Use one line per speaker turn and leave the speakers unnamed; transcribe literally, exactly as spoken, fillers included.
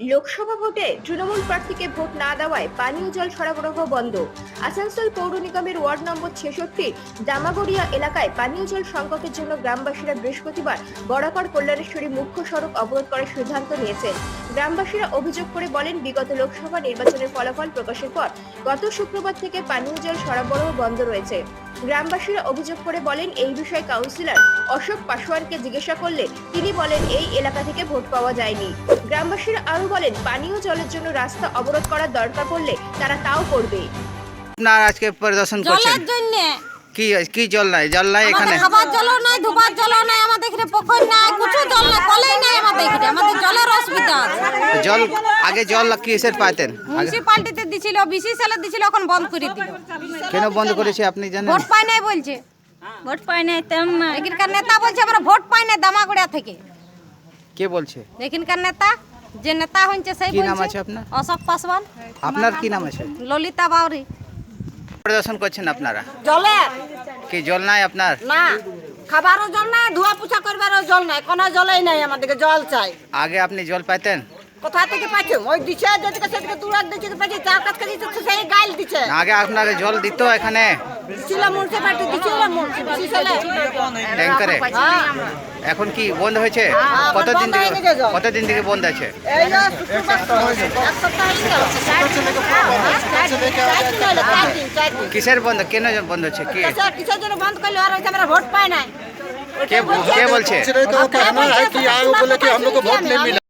লোকসভা ভোটে তৃণমূল প্রার্থীকে ভোট না দেওয়ায় পানীয় জল সরবরাহ বন্ধ। আসানসোল পৌর নিগমের ওয়ার্ড নম্বর ছেষট্টি দামাগড়িয়া এলাকায় পানীয় জল সংকটের জন্য গ্রামবাসীরা বৃহস্পতিবার বরাকর কল্যাণেশ্বরী মুখ্য সড়ক অবরোধ করার সিদ্ধান্ত নিয়েছেন। গ্রামবাসীরা অভিযোগ করে বলেন, বিগত লোকসভা নির্বাচনের ফলাফল প্রকাশের পর গত শুক্রবার থেকে পানীয় জল সরবরাহ বন্ধ রয়েছে। গ্রামবাসীরা অভিযোগ করে বলেন, এই বিষয়ে কাউন্সিলর অশোক পাসওয়ানকে জিজ্ঞাসা করলে তিনি বলেন এই এলাকা থেকে ভোট পাওয়া যায়নি। গ্রামবাসীরা আরো বলেন, পানীয় জলের জন্য রাস্তা অবরোধ করার দরকার পড়লে তারা তাও করবে।
আপনার আজকে পরিদর্শন করছেন
জলের জন্য
কি কি জল নাই জল নাই এখানে
খাবার জলও নাই, ধোবার জলও নাই, আমাদের এখানে পুকুর নাই, কিছু জল নাই, কলেই নাই আমাদের এখানে। আমাদের জলের অসুবিধা আছে।
জল আগে জল কিসের পাইতেন আগে
মিউনিসিপালিটিতে দিছিল, বিসি সালে দিছিল, এখন বন্ধ করে দিল।
কেন বন্ধ করেছে আপনি জানেন?
ভোট পাই নাই বলছে, ভোট পাই নাই। এখানকার নেতা বলছে আমরা ভোট পাই নাই দামাগুড়িয়া থেকে।
কে বলছে?
এখানকার নেতা, যে নেতা হচ্ছে সেই
কি নাম
বলছে
আছে আপনার?
অশোক পাসওয়ান।
আপনার কি নাম আছে?
ললিতা বাউরি।
পরিদর্শন করছেন আপনারা?
জলে
কি জল নাই আপনার?
না, খাবারও জল নাই, ধোয়া পোছা করবারও জল নাই, কোনো জলই নাই। আমাদেরকে জল চাই।
আগে আপনি জল পাইতেন?
কোথা থেকে পাচ্ছি? ওই দিচ্ছে, যেদিকে সেদিকে দূরাত দিচ্ছে পাচ্ছি, চার কাছ থেকে দিচ্ছে, সেই গাইল দিচ্ছে।
না, আগে আপনাকে জল দিত এখানে
দিছিল মুন্সিপালিটি, দিছিল মুন্সিপালিটি
ট্যাঙ্কারে। এখন কি বন্ধ হয়েছে? কতদিন
বন্ধ হয়ে
থেকে
গেছে জল।
কতদিন থেকে বন্ধ আছে?
এই যে শুক্রবার এক সপ্তাহ হয়ে গেল। চার দিন হলো, চার দিন, চার দিন।
কিসের বন্ধ? কেন বন্ধ হচ্ছে? কি
কিসের- কিসের জন্য বন্ধ করলো? আর হচ্ছে আমরা ভোট পাই নাই।
কে কে বলছে?
तो कहना है कि आए वो बोले कि हम लोग को वोट नहीं मिला।